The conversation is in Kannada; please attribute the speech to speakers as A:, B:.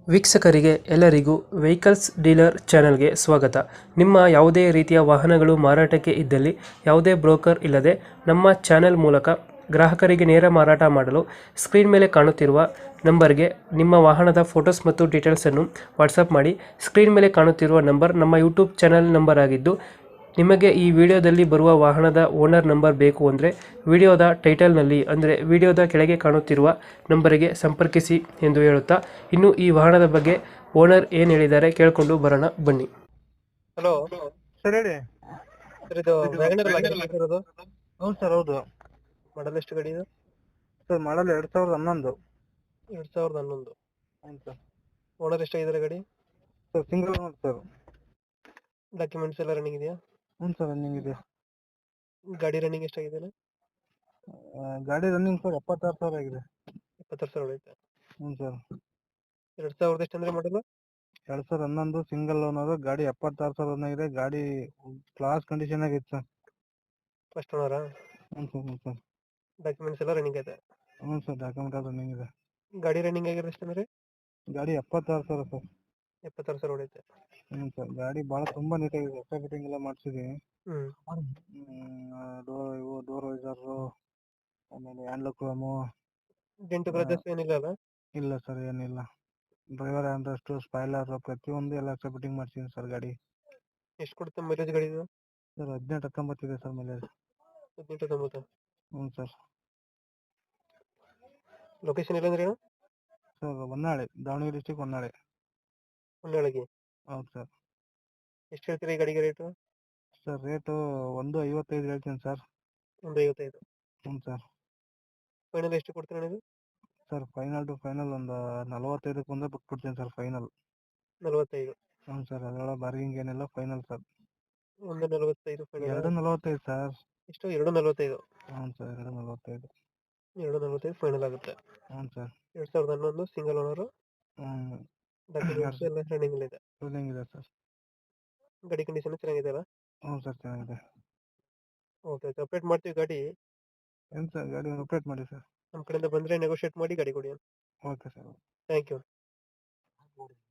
A: ವೀಕ್ಷಕರಿಗೆ ಎಲ್ಲರಿಗೂ ವೆಹಿಕಲ್ಸ್ ಡೀಲರ್ ಚಾನೆಲ್ಗೆ ಸ್ವಾಗತ. ನಿಮ್ಮ ಯಾವುದೇ ರೀತಿಯ ವಾಹನಗಳು ಮಾರಾಟಕ್ಕೆ ಇದ್ದಲ್ಲಿ ಯಾವುದೇ ಬ್ರೋಕರ್ ಇಲ್ಲದೆ ನಮ್ಮ ಚಾನೆಲ್ ಮೂಲಕ ಗ್ರಾಹಕರಿಗೆ ನೇರ ಮಾರಾಟ ಮಾಡಲು ಸ್ಕ್ರೀನ್ ಮೇಲೆ ಕಾಣುತ್ತಿರುವ ನಂಬರ್ಗೆ ನಿಮ್ಮ ವಾಹನದ ಫೋಟೋಸ್ ಮತ್ತು ಡೀಟೇಲ್ಸನ್ನು ವಾಟ್ಸಪ್ ಮಾಡಿ. ಸ್ಕ್ರೀನ್ ಮೇಲೆ ಕಾಣುತ್ತಿರುವ ನಂಬರ್ ನಮ್ಮ ಯೂಟ್ಯೂಬ್ ಚಾನೆಲ್ ನಂಬರ್ ಆಗಿದ್ದು, ನಿಮಗೆ ಈ ವಿಡಿಯೋದಲ್ಲಿ ಬರುವ ವಾಹನದ ಓನರ್ ನಂಬರ್ ಬೇಕು ಅಂದರೆ ವಿಡಿಯೋದ ಟೈಟಲ್ನಲ್ಲಿ ಅಂದರೆ ವಿಡಿಯೋದ ಕೆಳಗೆ ಕಾಣುತ್ತಿರುವ ನಂಬರಿಗೆ ಸಂಪರ್ಕಿಸಿ ಎಂದು ಹೇಳುತ್ತಾ, ಇನ್ನು ಈ ವಾಹನದ ಬಗ್ಗೆ ಓನರ್ ಏನು ಹೇಳಿದ್ದಾರೆ ಕೇಳಿಕೊಂಡು ಬರೋಣ ಬನ್ನಿ. ಹಲೋ
B: ಸರ್ ಹೇಳಿ.
A: ಸರ್, ಇದು ವ್ಯಾಗನರ್ ಇರೋದು
B: ಹೌದು ಸರ್, ಹೌದು.
A: ಮಾಡಲ್ ಎಷ್ಟು ಗಾಡಿ ಇದು?
B: Sir model 2011.
A: 2011.
B: ಹೌದು ಸರ್.
A: ಓನರ್ ಎಷ್ಟಾಗಿದ್ದಾರೆ ಗಾಡಿ?
B: Sir single owner sir.
A: Documents ಎಲ್ಲ ರನ್ನಿಂಗ್ ಇದೆಯಾ?
B: ಹ್ಞೂ ಸರ್, ರನ್ನಿಂಗ್ ಇದೆ.
A: ಗಾಡಿ ರನ್ನಿಂಗ್ ಎಷ್ಟಾಗಿದೆ?
B: ಗಾಡಿ ರನ್ನಿಂಗ್ ಸರ್ 76,000 ಆಗಿದೆ.
A: 26,000 ಹೊಡೆಯುತ್ತೆ.
B: ಹ್ಞೂ ಸರ್.
A: 2000 ಎಷ್ಟು ಅಂದ್ರೆ ಮಾಡಲು?
B: 2011 ಸಿಂಗಲ್ ಓನರ್. ಗಾಡಿ 76,000 ರನ್ ಆಗಿದೆ. ಗಾಡಿ ಕ್ಲಾಸ್ ಕಂಡೀಷನ್ ಆಗಿತ್ತು ಸರ್.
A: ಫಸ್ಟ್ ಓನರಾ?
B: ಹ್ಞೂ ಸರ್, ಹ್ಞೂ ಸರ್.
A: ಡಾಕ್ಯುಮೆಂಟ್ಸ್ ಎಲ್ಲ ರನ್ನಿಂಗ್ ಇದೆ?
B: ಹ್ಞೂ ಸರ್, ಡಾಕ್ಯುಮೆಂಟ್ ಎಲ್ಲ ರನ್ನಿಂಗ್ ಇದೆ.
A: ಗಾಡಿ ರನ್ನಿಂಗ್ ಆಗಿರೋದು ಎಷ್ಟು ಅಂದ್ರೆ?
B: ಗಾಡಿ 76,000 ಸರ್.
A: 76,000 ಹೊಡೆಯುತ್ತೆ.
B: ಹ್ಞೂ ಸರ್. ಗಾಡಿ ಭಾಳ ತುಂಬ ನೀಟಾಗಿದೆ. ಹೊಸ ಫಿಟ್ಟಿಂಗ್ ಎಲ್ಲ ಮಾಡಿಸಿದ್ದೀವಿ.
A: ಹ್ಮ್
B: ಡೋರ್ ವೈಸರು, ಆಮೇಲೆ ಹ್ಯಾಂಡ್ಲ್ ಕ್ರೋಮು.
A: ಡೆಂಟು ಕ್ರಚಸ್ ಏನಿಲ್ಲ ಅಲ್ಲ?
B: ಇಲ್ಲ ಸರ್, ಏನಿಲ್ಲ. ಡ್ರೈವರ್ ಹ್ಯಾಂಡ್ರೆಸ್ಟು, ಸ್ಪಾಯ್ಲರ್ ಪ್ರತಿಯೊಂದು ಎಲ್ಲ ಎಕ್ಸ್ಟ್ರಾ ಫಿಟ್ಟಿಂಗ್ ಮಾಡ್ಸಿದ್ದೀನಿ ಸರ್ ಗಾಡಿ.
A: ಎಷ್ಟು ಕೊಡುತ್ತೆ ಮೈಲೇಜ್ ಗಾಡಿ ಇದು?
B: ಸರ್ 18-19 ಇದೆ ಸರ್ ಮೈಲೇಜ್.
A: 18-19.
B: ಹ್ಞೂ ಸರ್.
A: ಲೊಕೇಶನ್ ಇಲ್ಲ ಅಂದ್ರೆ ಏನು?
B: Sir Honnali, Davanagere district Honnali.
A: ಹೊನ್ನಾಳಿಗೆ.
B: ಹೌದು ಸರ್.
A: ಎಷ್ಟು ಹೇಳ್ತೀರಾ ಈ ಗಾಡಿಗೆ ರೇಟು?
B: ಸರ್ ರೇಟು 1.55 ಹೇಳ್ತೀನಿ ಸರ್.
A: 1.55.
B: ಹ್ಞೂ ಸರ್.
A: ಫೈನಲ್ ಎಷ್ಟು ಕೊಡ್ತೀರಾ ನೀವು?
B: ಸರ್ ಫೈನಲ್ ಟು ಫೈನಲ್ ಒಂದು 45ಕ್ಕೆ ಬಂದರೆ ಬಿಟ್ಬಿಡ್ತೀನಿ ಸರ್ ಫೈನಲ್.
A: 45.
B: ಹ್ಞೂ ಸರ್, ಅದರೊಳಗೆ ಬಾರ್ಗಿಂಗ್ ಏನಿಲ್ಲ, ಫೈನಲ್ ಸರ್.
A: 1.45 ಫೈನಲ್.
B: 2.45 ಸರ್.
A: ಎಷ್ಟು? 2.45.
B: ಹ್ಞೂ ಸರ್, 2.45.
A: 2.45 ಫೈನಲ್ ಆಗುತ್ತೆ.
B: ಹ್ಞೂ ಸರ್.
A: 2011 single owner.
B: ಹ್ಞೂ.
A: ಡಾಕ್ಯುಮೆಂಟ್ಸ್ ಎಲ್ಲ ರನ್ನಿಂಗ್ ಇದೆ?
B: ರನ್ನಿಂಗ್ ಇದೆ ಸರ್.
A: ಗಾಡಿ ಕಂಡೀಷನ್ ಚೆನ್ನಾಗಿದೆ ಅಲ್ಲ?
B: ಹ್ಞೂ ಸರ್, ಚೆನ್ನಾಗಿದೆ.
A: ಓಕೆ, ಅಪ್ಡೇಟ್ ಮಾಡ್ತೀವಿ ಗಾಡಿ.
B: ಏನು ಸರ್, ಗಾಡಿ ಅಪ್ಡೇಟ್ ಮಾಡಿ ಸರ್.
A: ನಮ್ಮ ಕಡೆಯಿಂದ ಬಂದರೆ ನೆಗೋಷಿಯೇಟ್ ಮಾಡಿ ಗಾಡಿ ಕೊಡಿ.
B: Okay sir.
A: Thank you.